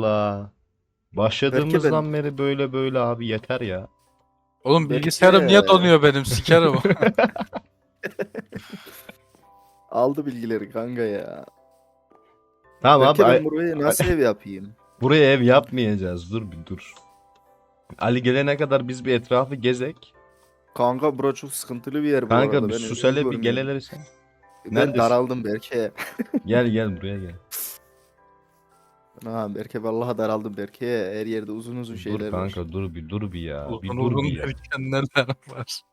Allah. Belki Başladığımızdan beri böyle abi yeter ya. Oğlum Belki- bilgisayarım niye donuyor benim sikerim. aldı bilgileri kanka ya. Tamam Belki abi ben burayı nasıl ev yapayım? buraya ev yapmayacağız. Dur bir dur. Ali gelene kadar biz bir etrafı gezek. Kanka bura çok sıkıntılı bir yer bu Kanka arada. bir Ben sus evimi hele bir görmüyorum. geleleri sen. Ben Neredesin? daraldım Berke. Gel buraya gel. Ha Berke vallahi daraldım Berke. Her yerde uzun uzun şeyler Dur var. kanka dur bir ya. Bir Uzun dur uzun bir ya. derken neler var?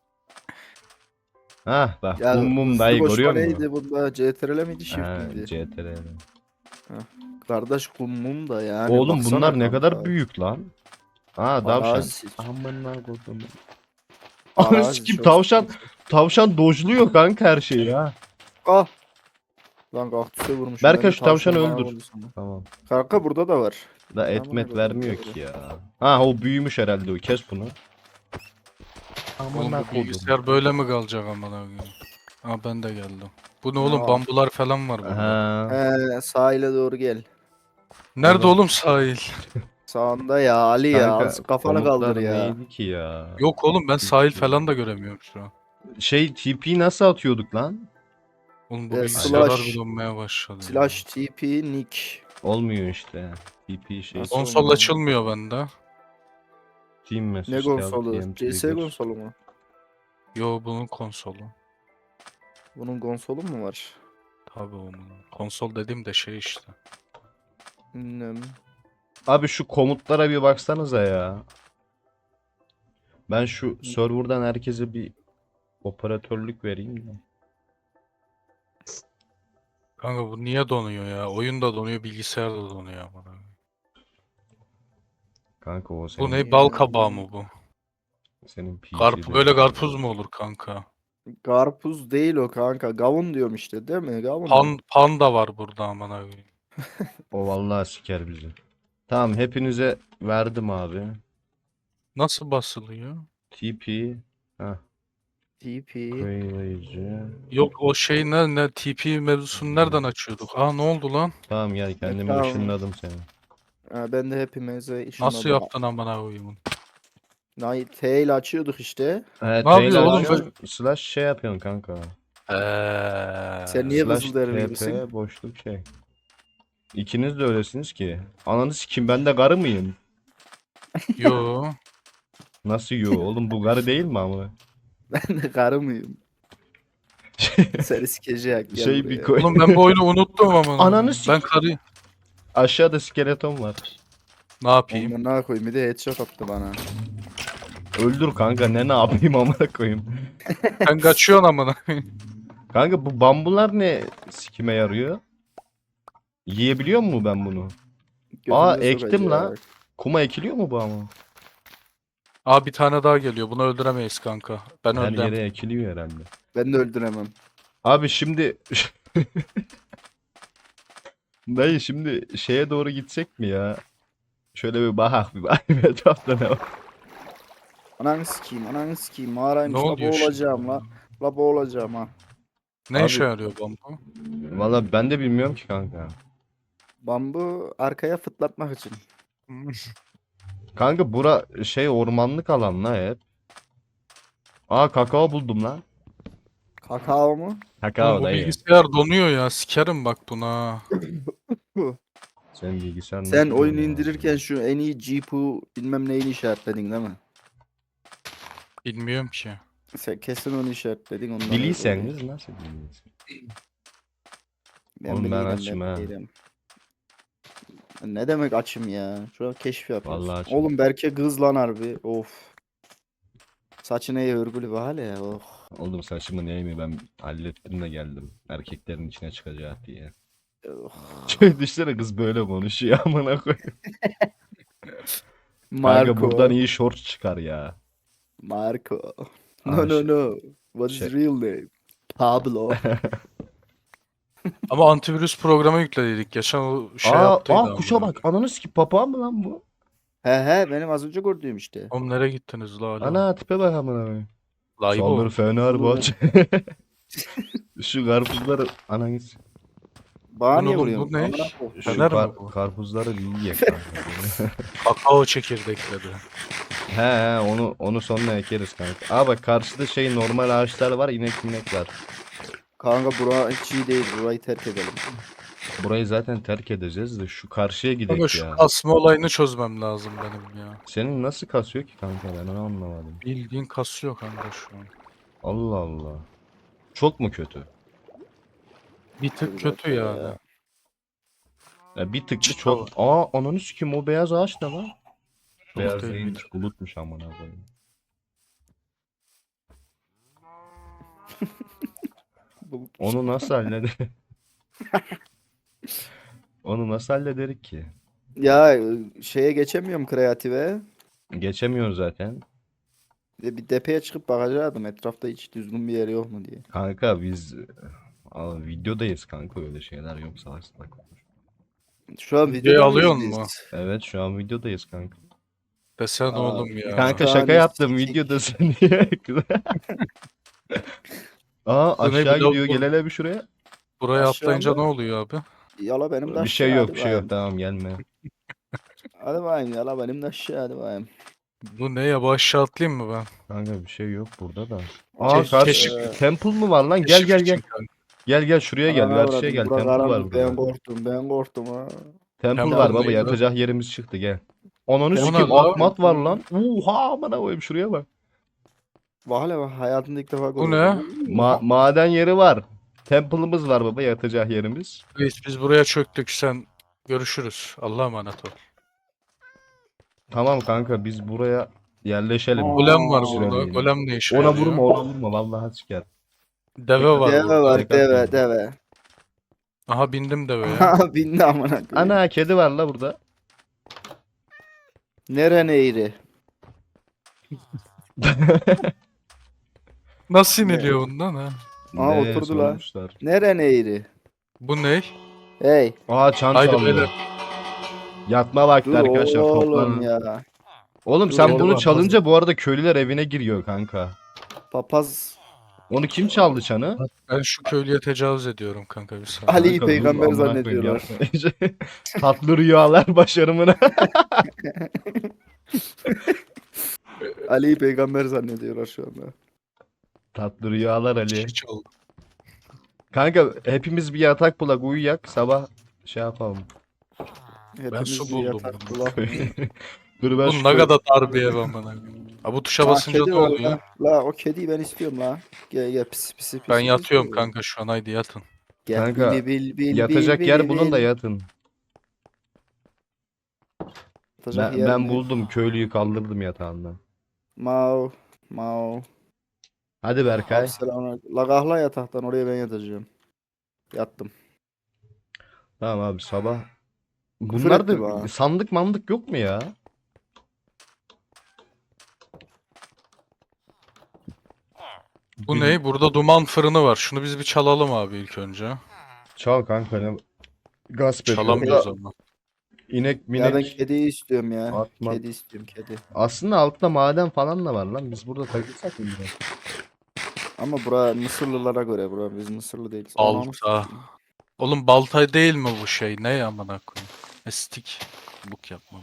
Hah bak Ya mum hızlı dayı koşma görüyor musun? neydi bunda? CTRL miydi shift Ha, miydi? CTRL. Kardeş mum da yani. Oğlum baksana bunlar ne kanka. kadar büyük lan. Ha tavşan. Arazi. Amına koydum. Arazi Ananı sikeyim çok tavşan. sıkıntı. Tavşan dojluyor kanka her şeyi ya. Ah. Lan kaktüse vurmuşum. Berkay ben de şu tavşanı tavşan bana öldür. vurdu sandım. Tamam. Kanka burada da var. Da Amına etmet koydum, vermiyor doğru. ki ya. Ha o büyümüş herhalde o. Kes bunu. Oğlum bu bilgisayar böyle mi kalacak amına koyayım? Ha ben de geldim. Bu ne oğlum Aa. bambular falan var burada. Ha. Sahile doğru gel. Nerede Oğlum. oğlum sahil? Sağında ya Ali ya. Kanka Az kafanı komutlar kaldır ya. neydi ki ya? Yok oğlum ben sahil falan da göremiyorum şu an. Şey TP'yi nasıl atıyorduk lan? Oğlum bu Slash- bilgisayarlar bir donmaya başladı. ya. Slash TP Nick. Olmuyor işte. TP şey. Nasıl? Konsol olmuyor? açılmıyor bende. Team message. Ne tab, konsolu? TM CS trigger. konsolu mu? Yo bunun konsolu. Bunun konsolu mu var? Tabii onun. Konsol dediğim de şey işte. Bilmiyorum. Abi şu komutlara bir baksanıza ya. Ben şu serverdan herkese bir operatörlük vereyim de. Kanka bu niye donuyor ya? Oyun da donuyor, bilgisayar da donuyor amına. Kanka o Bu senin, ne bal kabağı mı bu? senin Karp PC'de. böyle karpuz mu olur kanka? Karpuz değil o kanka. Gavun diyorum işte değil mi? Gavun. Panda var burada amına koyayım. O vallahi siker bizi. Tamam hepinize verdim abi. Nasıl basılıyor? TP. Heh. TP. Koyulayıcı. Yok o şey ne TP mevzusunu nereden açıyorduk? Aa ne oldu lan? Tamam gel kendimi Tamam. ışınladım seni. Ha, ben de hepimize işin Nasıl yaptın amına koyayım? T ile açıyorduk işte. Evet, Ne yapıyor oğlum slash şey yapıyorsun kanka. Sen niye Slash Kızılderili gibisin? TP boşluk şey. İkiniz de öylesiniz ki. Ananı sikim ben de karı mıyım? Yo. Nasıl yo oğlum bu karı değil mi ama? Ben de karı mıyım? Seni sikecek. Gel Şey buraya. bir koy. Oğlum ben bu oyunu unuttum amına. Ananı Ben sik- karı Aşağıda skeleton var. ne yapayım? Amına koyayım bir de headshot attı bana. Öldür kanka ne yapayım amına koyayım. Sen kaçıyorsun amına. Kanka bu bambular ne sikime yarıyor? Yiyebiliyor mu ben bunu? Aa, Götümüze ektim sokacak. la. Kuma ekiliyor mu bu ama? Aa bir tane daha geliyor. Bunu öldüremeyiz kanka. Ben Her öldüm. yere ekiliyor herhalde. Ben de öldüremem. Abi şimdi dayı şimdi şeye doğru gitsek mi ya? Şöyle bir bakak bir bak etrafta ne var? Ananı sikeyim, ananı sikeyim. Mağaraymış Ne la oluyor boğulacağım şimdi? la. La boğulacağım ha. Ne Abi- işe yarıyor bambu? Valla ben de bilmiyorum ki kanka. Bambu arkaya fıtlatmak için. Kanka bura şey ormanlık alan la hep. Aa kakao buldum lan. Kakao mu? Oğlum Kakao bu dayı. bilgisayar donuyor ya. Sikerim bak buna. Senin bilgisayar Sen nasıl oyunu oluyor? indirirken şu en iyi GPU bilmem neyini işaretledin değil mi? Bilmiyorum ki. Sen kesin onu işaretledin. Ondan Biliyseniz nasıl biliyorsun? Oğlum ben açım ha. Ne demek açım ya? Şu an keşif yapıyoruz. Vallahi açım. Oğlum Berke kız lan harbi. Of. Saçına iyi örgülü bir hale ya. Oh. Oğlum saçımı neyimi ben hallettim de geldim. Erkeklerin içine çıkacak diye. Oh. Şöyle düşünsene kız böyle konuşuyor amına koyayım. Kanka Marco. buradan iyi short çıkar ya. Marco. Aa, No no no. What is şey- real name? Pablo. Ama antivirüs programı yükledik. Geçen o şey yaptıydı amına kuşa bak. koyayım. Ananı sikip papağan mı lan bu? He benim az önce gördüğüm işte. Oğlum nereye gittiniz la alo? Ana tipe bak amına koyayım. Laibo. Saldır Fenerbahçe. Şu karpuzları ananı Bana Lan niye oğlum, vuruyorsun? bu ne? Amına koyayım. Şu Fener mi bu? karpuzları bir yiyek kanka. Kakao çekirdekleri. He onu sonra ekeriz kanka. Aa bak karşıda şey normal ağaçlar var, inek var. Kanka bura hiç iyi değil. Burayı terk edelim. Burayı zaten terk edeceğiz de şu karşıya Ama gidek şu ya. kasma olayını çözmem lazım benim ya. Senin nasıl kasıyor ki kanka, ben onu anlamadım. Bildiğin kasıyor kanka şu an. Allah Allah. Çok mu kötü? Bir tık Bir kötü dakika yani. ya. Ya bir tık mı Çıt çok. Aa ananı sikeyim, o beyaz ağaç ne lan? Çok Beyaz değil değilmiş, midir? bulutmuş amına koyayım. Bu- Onu nasıl hallederiz? Onu nasıl hallederiz ki? Ya şeye geçemiyorum kreative. Geçemiyor zaten. Bir depeye çıkıp bakacaktım etrafta hiç düzgün bir yer yok mu diye. Kanka biz videodayız kanka, öyle şeyler yok, salak salak. Şu an Videoyu videoda mıyız alıyorsun mu? biz? Evet şu an videodayız kanka. Desen Aa, oğlum ya. Kanka Bir şaka tane yaptım, sikik. videodasın diye. Aa Bu ne, aşağı bir de gidiyor, gel hele bir şuraya. buraya Aşağıda- atlayınca ne oluyor abi? Yala benim de Bir şey aşağı, yok, hadi bir şey yok, bakayım. tamam gelme. Hadi bakayım yala benim de aşağı, hadi bakayım. Bu ne ya? Bu aşağı atlayayım mı ben? Kanka bir şey yok burada da. Aa, Aa karşı keşif- temple mı var lan? Gel Keşif gel için gel. kanka. Gel şuraya gel, Ana karşıya avradım, gel. bura Temple var karanlık, ben burada. korktum ha. Temple Temple var baba, neydi? yatacak yerimiz çıktı, gel. Ananı Temple sikeyim, ne lan? atmat var lan. Oha amına koyayım, şuraya bak. Valla bak hayatımda ilk defa Bu görüyorum. Maden yeri var. Temple'ımız var baba, yatacak yerimiz. Biz buraya çöktük, sen görüşürüz. Allah'a emanet ol. Tamam kanka, biz buraya yerleşelim. Aa, Golem var Süre burada. değil. Golem ne işe Ona yarıyor? vurma vallahi siker. Deve var Deve burada. var, Tek atmıyorum. deve. Aha, bindim deveye. Bindi amına koyayım. Ana kedi var la burada. Neren eğri? Nasıl iniliyor bundan ha? Aa, Ne oturdu la. sormuşlar. Neren eğri? Bu ne? Hey, Aa çan Haydi çaldı. beyler. Yatma vakti dur arkadaşlar, oğlum toplanın. ya. Oğlum Dur sen oğlum, bunu bak, çalınca bu arada köylüler evine giriyor kanka. Papaz Onu kim çaldı çanı? Ben şu köylüye tecavüz ediyorum kanka, bir saniye. Ali'yi Kanka dur, peygamber amına koyayım, zannediyorlar. yapma. Tatlı rüyalar başarımına. Ali'yi peygamber zannediyorlar şu anda. Tatlı rüyalar Ali. Hiç oldu. Kanka hepimiz bir yatak bulak, uyuyak, sabah şey yapalım. Hepimiz su bir buldum yatak bunu. bulak mı? Dur ben Bu şu ne kadar dar bir ev amına. Ha, bu tuşa Aa, basınca kedi ne var oluyor? La o kediyi ben istiyorum la. Gel pisi. Ben yatıyorum kanka şu an, haydi yatın. Gel Kanka, bil yatacak yer bulun da yatın. Yatacak yer Ben mi? buldum, köylüyü kaldırdım yatağından. Mau. Hadi Berkay. Abi selamünaleyküm. La kahla yataktan oraya ben yatacağım. Yattım. Tamam abi sabah. Küfür Bunlar etti da bana. sandık mandık yok mu ya? Bu Bir- ne? Burada duman fırını var. Şunu biz bir çalalım abi ilk önce. Çal kanka, ne gasp ediyor. Çalamıyoruz ama. İnek Ya ben minek kediyi istiyorum ya. atma. Kedi istiyorum kedi. Aslında altta maden falan da var lan. Biz burada takılsak mı biraz? Ama bura Mısırlılara göre bura biz Mısırlı değiliz. Balta. Oğlum balta değil mi bu şey? Ne amına koyayım? Estik. Buk yapmam.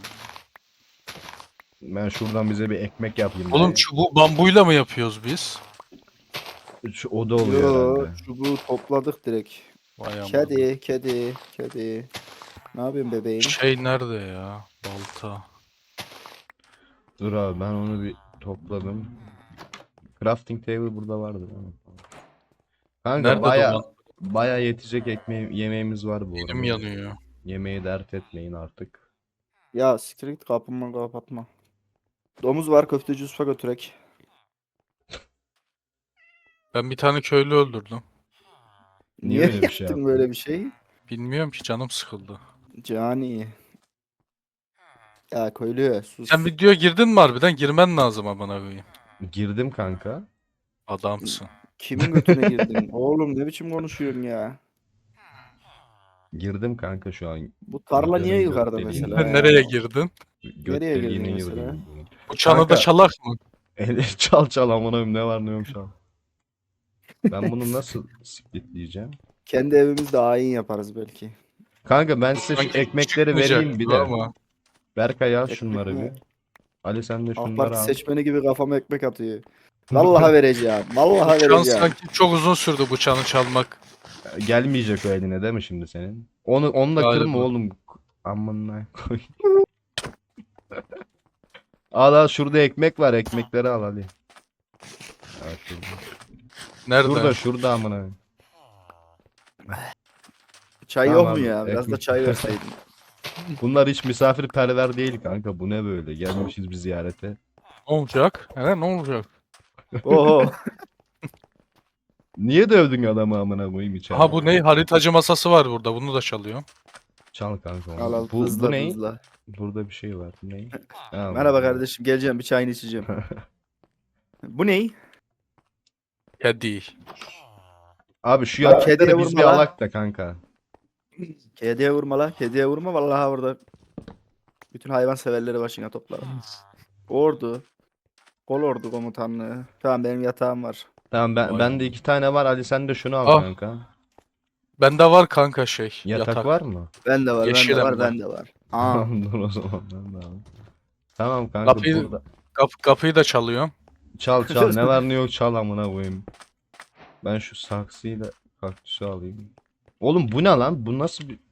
Ben şuradan bize bir ekmek yapayım. Oğlum çubuğu bambuyla mı yapıyoruz biz? Şu oda oluyor Yo, herhalde. çubuğu topladık direkt. Vay amına. Kedi. Ne yapıyorsun bebeğim? Şey nerede ya? Balta. Dur abi ben onu bir topladım. Crafting table burada vardı değil mi? Kanka Nerede duman? baya yetecek yemeğimiz var bu Elim arada. yanıyor. Yemeği dert etmeyin artık. Ya siktir git kapımı kapatma. Domuz var köfteci usta götürek. Ben bir tane köylü öldürdüm. Niye Niye öyle bir şey yaptın yaptın? böyle bir şey? Bilmiyorum ki, canım sıkıldı. Cani. Ya köylü sus. Sen videoya girdin mi harbiden? Girmen lazım amına koyayım. Girdim kanka. Adamsın. Kimin götüne girdin? Oğlum ne biçim konuşuyorsun ya? Girdim kanka şu an. Bu tarla niye Videonun yukarıda göt deliğine. mesela ya? Nereye girdin? Göt Nereye girdin deliğine mesela? girdim. Bu çanı da Kanka. çalak mı? Çal amına koyayım, ne var ne yok çal. Ben bunu nasıl splitleyeceğim? Kendi evimizde ayin yaparız belki. Kanka ben size şu Sanki ekmekleri çıkmayacak vereyim bir gibi de. ama. Berkay al Ekmek şunları mi? bir. Ali sen de AK şunları Parti al. seçmeni gibi kafama ekmek atıyor. Vallahi vereceğim. Vallahi Bıçağın vereceğim. sanki çok uzun sürdü bıçağını çalmak Gelmeyecek o eline değil mi şimdi senin? Onu da kırma galiba. oğlum. Amına koy. Al şurada ekmek var, ekmekleri al Ali. Evet, şurada. Nerede? Şurada amına. Çay Tamam yok mu abi, ya? Biraz da ekmek. çay verseydin. Bunlar hiç misafirperver değil kanka. Bu ne böyle? Gelmişiz bir ziyarete. Ne olacak? Ne olacak? Oho. Niye dövdün adamı amına koyayım içeride? Aha bu ne? Haritacı masası var burada. Bunu da çalıyor. Çal kanka Al onu. al Bu hızla ne? hızla. Burada bir şey var. Bu ne? Ha, Merhaba bu. kardeşim geleceğim bir çayını içeceğim. Bu ne? Kedi. Abi şu Lan kediye yaptıkları biz vurma bir lan. alak da kanka. Kediye vurma la. Kediye vurma vallahi burada. Bütün hayvan severleri başına toplarım. Ordu. Kol ordu komutanlığı. Tamam benim yatağım var. Tamam Vay ben de be. 2 tane var. Ali sen de şunu al Ah. kanka. Bende var kanka Yatak yatak. var mı? Ben de var, ben Yeşil de var, hem de. ben de var. Aa. Tamam dur o zaman ben de alayım. Tamam kanka Kapıyı, burada. kapıyı da çalıyorum. Çal ne var ne yok çal amına koyayım. Ben şu saksıyla kaktüsü alayım. Oğlum bu ne lan? Bu nasıl bir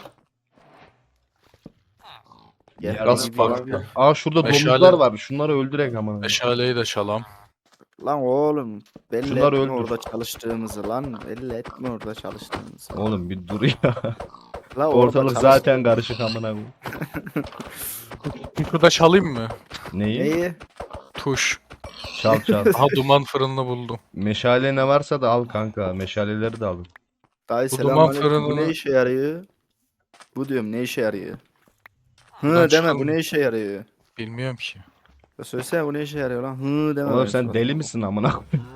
Gel. Yer Gaz Gideyim farkı. abi. Aa şurada Meşale. domuzlar var. Şunları öldürek amına. Meşaleyi de çalam. Lan oğlum belli Şunları etme öldür. orada çalıştığımızı lan. Belli etme orada çalıştığımızı. Oğlum bir dur ya. La orada Ortalık çalış- zaten karışık amına koyayım. Şurada çalayım mı? Neyi? Neyi? Tuş. Çal. Aha duman fırınını buldum. Meşale ne varsa da al kanka. Meşaleleri de alın. Dayı Bu duman selamünaleyküm. Bu ne fırınını- işe yarıyor? Bu diyorum ne işe yarıyor? Buradan Hı deme bu çıkalım. ne işe yarıyor? Bilmiyorum ki. Ya söylesene bu ne işe yarıyor lan? Hı deme. Oğlum benim sen suratıma. deli misin amına koyayım?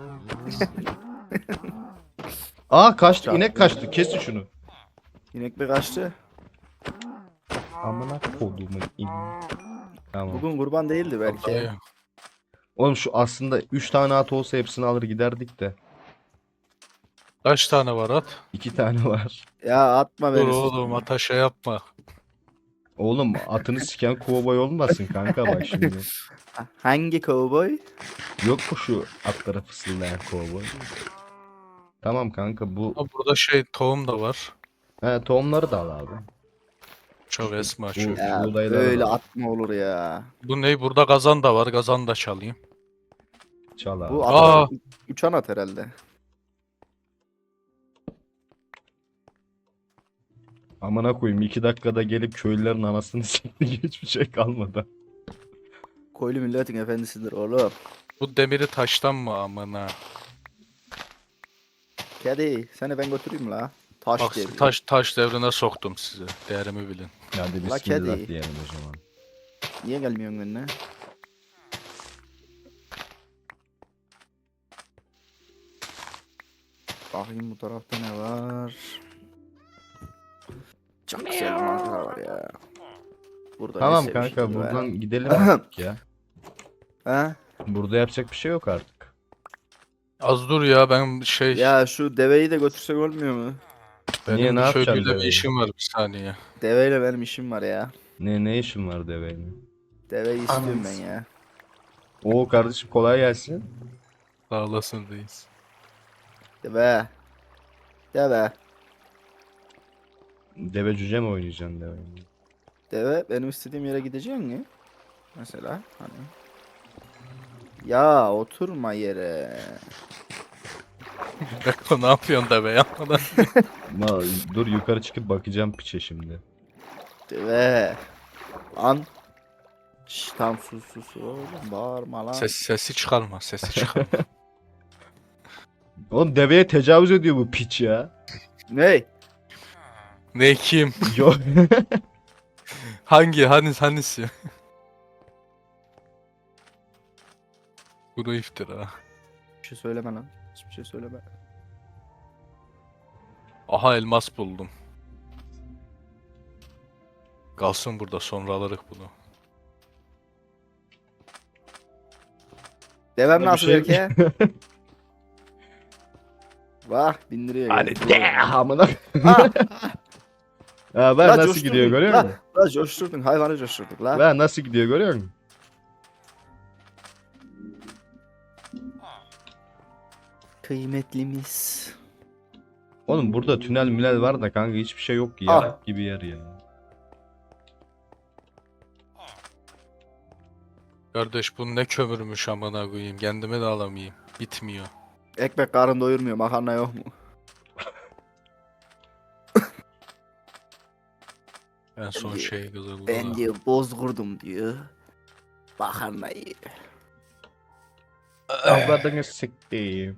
Aa kaçtı. Çal. İnek kaçtı. Kesin şunu. İnek mi kaçtı? Amına kodumun ineği. Tamam. Bugün kurban değildi belki. Dayı. Oğlum şu aslında 3 tane at olsa hepsini alır giderdik de. Kaç tane var at? 2 tane var. Ya atma Dur beni. oğlum ata şey yapma. Oğlum atını siken kovboy olmasın kanka bak şimdi. Hangi cowboy? Yok mu şu atlara fısıldayan kovboy? Tamam kanka bu. Ha, burada tohum da var. He tohumları da al abi. Çok esma Bu- çok. Ya Buğdayları böyle da- atma olur ya. Bu ne? Burada gazan da var. Gazan da çalayım. Çal abi. Bu Aa. at uçan at herhalde. Amına koyayım 2 dakikada gelip köylülerin anasını sikti hiçbir şey kalmadı. Koylu milletin efendisidir oğlum. Bu demiri taştan mı amına? Kedi seni ben götüreyim la. Taş Bak diye. taş devrine soktum sizi. Değerimi bilin. Hadi La bismillah kedi. diyelim o zaman. Niye gelmiyorsun benimle? Bakayım bu tarafta ne var? Çok güzel bir manzara var ya. Burada ne Tamam sevmişim kanka be. buradan gidelim artık ya. Ha? Burada yapacak bir şey yok artık. Az dur ya ben Ya şu deveyi de götürsek olmuyor mu? benim Niye, ne bir yapacaksın köylüyle bir deveyi? işim var bir saniye. Deveyle benim işim var ya. Ne işin var deveyle? Deveyi istiyorum ben Anam. ya. Oo kardeşim kolay gelsin. Sağ olasın reis. Deve. Deve. Deve cüce mi oynayacaksın deveyle? Deve benim istediğim yere gidecek mi? Mesela hani. Ya oturma yere. Beko ne yapıyorsun da be yapmadan. Dur yukarı çıkıp bakacağım piçe şimdi. Deve. Lan. Şşş tam sus oğlum bağırma lan. Sesi çıkarma sesi çıkarma. Oğlum deveye tecavüz ediyor bu piç ya. Ney? Ne kim? Yok. Hangisi? Bunu iftira. Bir şey söyleme lan. Hiçbir şey söyleme. Aha elmas buldum. Kalsın burada sonra alırız bunu. Devem Bir nasıl şey- belki? Bak bindiriyor. Hadi geldi. de amına. Ah, Ha, ben la nasıl coşturdun, gidiyor görüyor musun? La coşturdun hayvanı coşturduk la. Ben nasıl gidiyor görüyor musun? Kıymetlimiz. Oğlum burada tünel münel var da kanka hiçbir şey yok ki Ah. yarak gibi yer ya. Kardeş bu ne kömürmüş amına koyayım. Kendime de alamayayım. Bitmiyor. Ekmek karın doyurmuyor makarna yok mu? En son diyor- şey kızıldı. Ben diyor bozgurdum diyor. Makarnayı. Avradını sikeyim.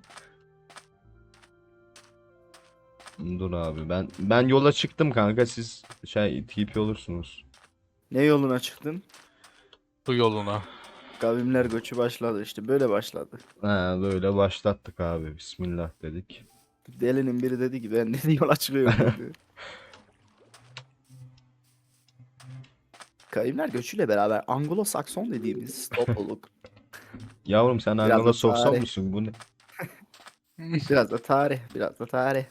Dur abi ben yola çıktım kanka siz TP olursunuz. Ne yoluna çıktın? Su yoluna. Kavimler göçü başladı işte böyle başladı. Ha böyle başlattık abi bismillah dedik. Delinin biri dedi ki ben dedi yola çıkıyorum dedi. Kavimler göçüyle beraber Anglo-Sakson dediğimiz topluluk. Yavrum sen Biraz da Anglo Sakson tarih. musun bu ne? Biraz da tarih, biraz da tarih.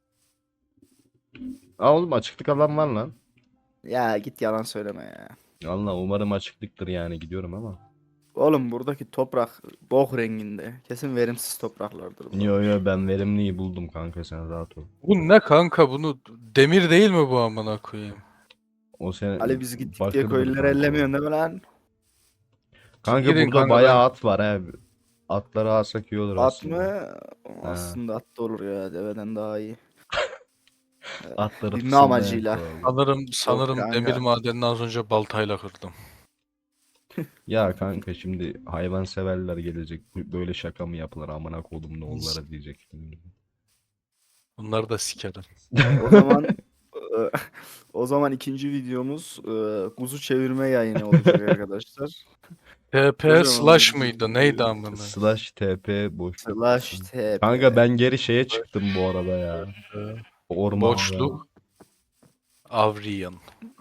Aa oğlum açıklık alan var lan. Ya git yalan söyleme ya. Allah umarım açıklıktır yani gidiyorum ama. Oğlum buradaki toprak bok renginde. Kesin verimsiz topraklardır bu. Yo yo ben verimliyi buldum kanka sen rahat ol. Bu ne kanka bunu demir değil mi bu amına koyayım? O sen Ali biz gittik diye bakırdır köylüleri kanka. ellemiyorsun değil mi lan? Kanka Gidin burada kanka, bayağı ben- at var he. Atları alsak iyi olur At aslında. mı? Aslında at da olur ya deveden daha iyi. Atları Binme fısıldayan amacıyla. koyalım. Sanırım kanka. demir madenini az önce baltayla kırdım. Ya kanka şimdi hayvan severler gelecek. Böyle şaka mı yapılır amına kodum ne onlara diyecek. Bunları da sikerim. O zaman o zaman ikinci videomuz kuzu çevirme yayını olacak arkadaşlar. TP Kocaman slash bir mıydı? video. Neydi amına? Slash TP boşluk. Slash TP. Kanka ben geri şeye çıktım bu arada ya. Ormanda. Boşluk. Avriyan.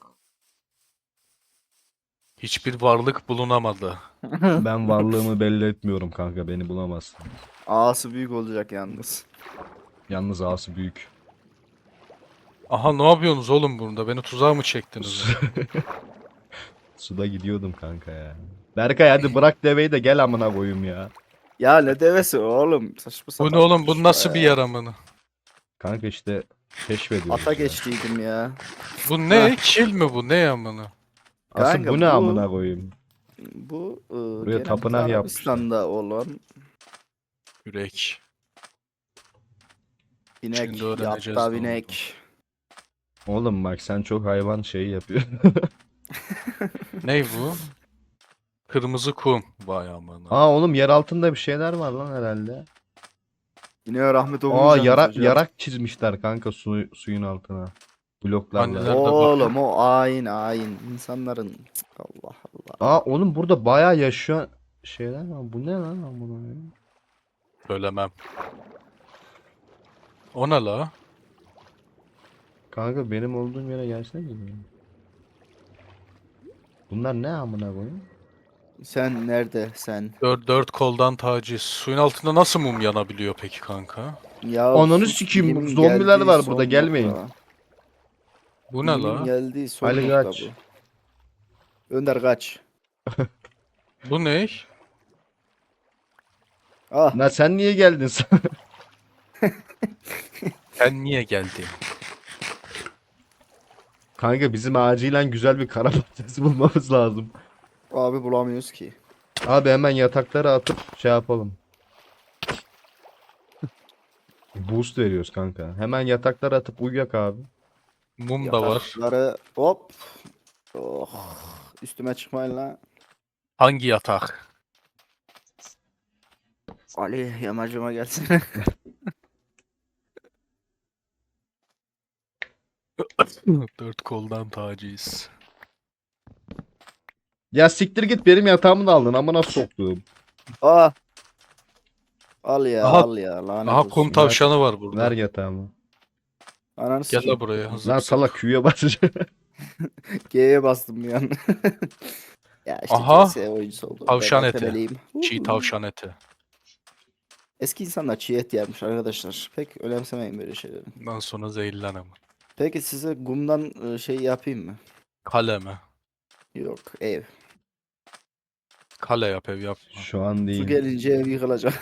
Hiçbir varlık bulunamadı. Ben varlığımı belli etmiyorum kanka beni bulamazsın. Ağası büyük olacak yalnız. Yalnız ağası büyük. Aha ne yapıyorsunuz oğlum burada? Beni tuzağa mı çektiniz? Suda gidiyordum kanka ya. Berkay hadi bırak deveyi de gel amına koyayım ya. Ya ne devesi oğlum? Saçma Bu sapan ne oğlum? Bu konuşma nasıl bir ya. yer amına? Kanka işte keşfediyoruz Ata ya. geçtiydim ya. Bu ne? Kil mi bu? Ne amına? Asıl Kanka, bu ne amına koyayım? Bu Buraya genelde tapınak yapmışlar. Arabistan'da olan Yürek. binek, Şimdi öğreneceğiz ne yatta olduğunu. binek. Oğlum bak sen çok hayvan şeyi yapıyorsun. Ney bu? Kırmızı kum. Vay amına. Aa oğlum yer altında bir şeyler var lan herhalde. Yine rahmet Aa okumayacaksınız hocam. yarak çizmişler kanka suyun altına. Bloklarla. Anneler- Nerede Oğlum o ayin insanların Cık, Allah Allah. Aa oğlum burada bayağı yaşayan şeyler var. Bu ne lan amına koyayım? Söylemem. O ne la? Kanka benim olduğum yere gelsene. Bunlar ne amına koyayım? Sen nerede sen? Dört koldan taciz. Suyun altında nasıl mum yanabiliyor peki kanka? Ya Ananı sus, sikeyim, bilimin zombiler geldiği var son burada, gelmeyin. nokta. Bu ne Bilimin la? geldiği son Ali nokta kaç. bu. Önder kaç. Bu ne? Ah Lan sen niye geldin sen? Sen niye geldin? Kanka bizim acilen güzel bir kara patatesi bulmamız lazım. abi bulamıyoruz ki. Abi hemen yatakları atıp şey yapalım. Boost veriyoruz kanka. Hemen yatakları atıp uyuyak abi. Mum da var. Yatakları hop. Oh. Üstüme çıkmayın lan. Hangi yatak? Ali yamacıma gelsene. Dört koldan taciz. Ya siktir git benim yatağımı da aldın amına soktuğum. Ah. Al ya Aha- al ya lanet Aha olsun. kum tavşanı var burada. Ver yatağımı. Ananı Gel sikeyim. la buraya. Hazır Lan mısın? salak Q'ya basacağım. G'ye bastım bir an. Ya işte Aha. CS oyuncusu oldum. Tavşan Ben eti. ötebeliyim. Çiğ tavşan eti. Eski insanlar çiğ et yermiş arkadaşlar. Pek önemsemeyin böyle şeyleri. Ondan sonra zehirlen ama. Peki size gumdan şey yapayım mı? Kale mi? Yok, ev. Kale yap, ev yapma. Şu an Su değil. gelince ev yıkılacak.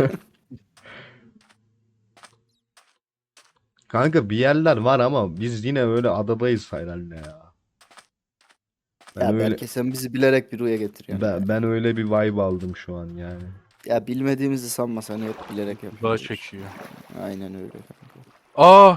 Kanka bir yerler var ama biz yine böyle adadayız herhalde ya. Ben Ya öyle belki sen bizi bilerek bir rüya getiriyorsun. ya. ben öyle bir vibe aldım şu an yani. Ya bilmediğimizi sanma, sen hep bilerek Daha yapıyoruz. çekiyor. Aynen öyle kanka. Aa!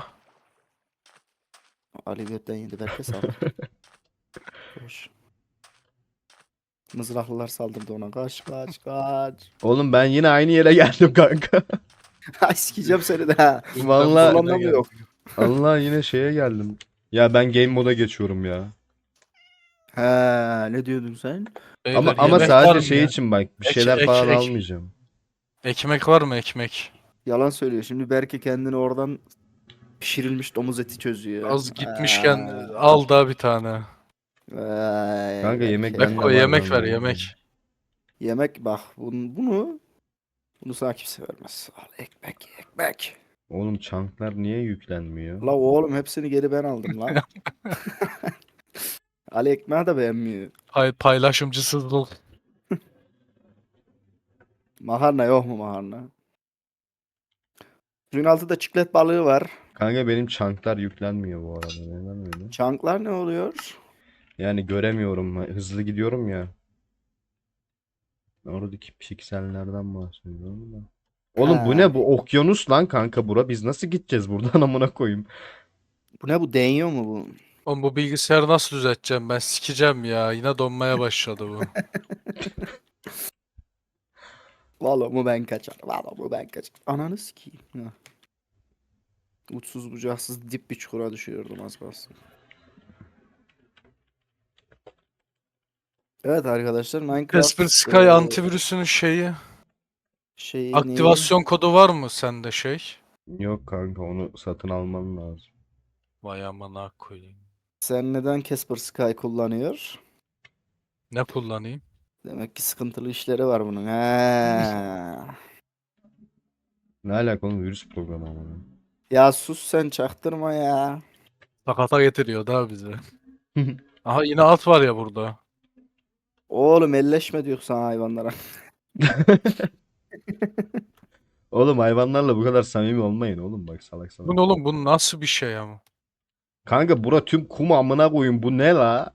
Ali götten yedi, belki sal. Koş. Mızraklılar saldırdı ona. Kaç kaç kaç. Oğlum ben yine aynı yere geldim kanka. Ay sikeceğim seni de ha. Vallahi Kullanma mı yok? Allah yine şeye geldim. Ya ben game moda geçiyorum ya. He, ne diyordun sen? Ama Beyler, yemek var sadece mı şey ya? için bak bir Ek- şeyler ek- falan ek- almayacağım. Ekmek var mı, ekmek? Yalan söylüyor. Şimdi belki kendini oradan pişirilmiş domuz eti çözüyor. Az gitmişken al da bir tane. Kanka yemek Berke. bende Beko var yemek ver, lan. yemek. Yemek bak bunu sana kimse vermez. Al ekmek ekmek. Oğlum çanklar niye yüklenmiyor? La oğlum hepsini geri ben aldım lan. Ali ekmeği de beğenmiyor. Paylaşımcısızlık. Makarna yok mu makarna? Suyun altında çiklet balığı var. Kanka benim çanklar yüklenmiyor bu arada. Neden öyle? Çanklar ne oluyor? Yani göremiyorum. Hızlı gidiyorum ya. Oradaki piksellerden bahsediyorum da. Oğlum bu Ha. ne? Bu okyanus lan kanka bura. Biz nasıl gideceğiz buradan amına koyayım? Bu ne, bu deniyor mu bu? Oğlum bu bilgisayarı nasıl düzelteceğim ben? Sikeceğim ya. Yine donmaya başladı bu. Valla mı ben kaçar. Valla mı ben kaçar. Ananı sikeyim. Ha. Uçsuz bucaksız dip bir çukura düşüyordum az kalsın. Evet arkadaşlar, Minecraft Kasper Sky antivirüsünün şeyi aktivasyon kodu var mı sende şey? Yok kanka onu satın alman lazım. Vay amına koyayım. sen neden Casper Sky kullanıyor? Ne kullanayım? Demek ki sıkıntılı işleri var bunun. He. Ne alaka oğlum virüs programı ama. Ya sus sen, çaktırma ya. Sakata getiriyor da bizi. Aha yine at var ya burada. Oğlum elleşme diyor sana hayvanlara. Oğlum hayvanlarla bu kadar samimi olmayın oğlum bak salak salak. Bu ne oğlum, bu nasıl bir şey ama? Kanka bura tüm kum amına koyun bu ne la?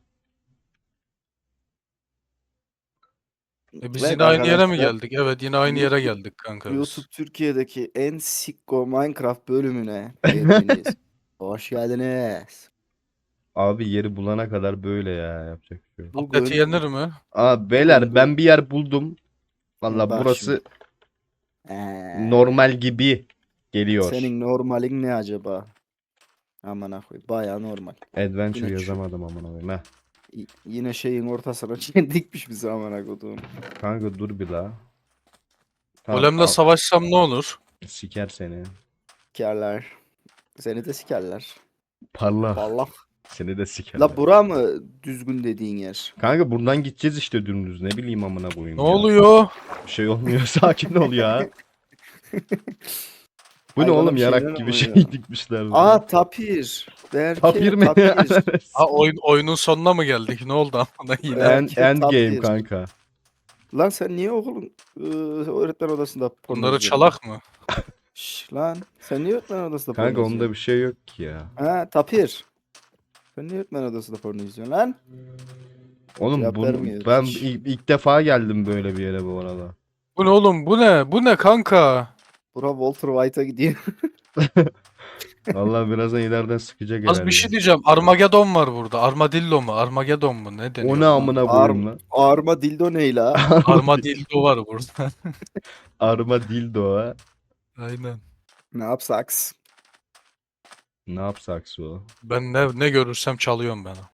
Biz Evet yine aynı yere mi arkadaşlar, geldik? Evet, yine aynı yere YouTube- geldik kanka biz. YouTube Türkiye'deki en sikko Minecraft bölümüne hepiniz hoş geldiniz. Abi yeri bulana kadar böyle ya yapacak bir şey yok. Bugün Atleti yenir mi? Aa beyler Bugün- ben bir yer buldum. Valla Bak burası Ee, normal gibi geliyor. senin normalin ne acaba? Aman koy, baya normal. Adventure Yine şu- yazamadım amına koyayım. Heh. Yine şeyin ortasına dikmiş bizi amına koduğum. Kanka dur bir la. Tamam, Golemle savaşsam ne olur? siker seni. Sikerler. Seni de sikerler. Parla. Vallahi. Seni de siker. La bura mı düzgün dediğin yer? Kanka buradan gideceğiz işte dümdüz. Ne bileyim amına koyayım Ne ya. oluyor? Bir şey olmuyor. Sakin ol ya. Bu ne Hayvana oğlum bir şeyler yarak gibi oluyor. şey dikmişler. Aa tapir. Berke Tapir mi? tapir. Ha, oyunun sonuna mı geldik? Ne oldu amına yine? Belki End game tapir. kanka. Lan sen niye okulun öğretmen odasında porno Bunları izliyorsun? çalak mı? Şş, lan sen niye öğretmen odasında porno Kanka onda izliyorsun? bir şey yok ki ya. Ha tapir. Sen niye öğretmen odasında porno izliyorsun lan? Oğlum Cevap vermiyor ben hiç. ilk defa geldim böyle bir yere bu arada. Bu ne oğlum? Bu ne? Bu ne kanka? Bura Walter White'a gidiyor. Vallahi birazdan ileriden sıkacak Az herhalde. bir şey diyeceğim. Armageddon var burada. Armadillo mu? Armageddon mu? Ne deniyor O ne buna? amına koyayım lan? Arma dildo ne la? Armadillo var burada. Armadillo ha. Aynen. Ne yapsaks? Ne yapsak o? Ben ne görürsem çalıyorum ben.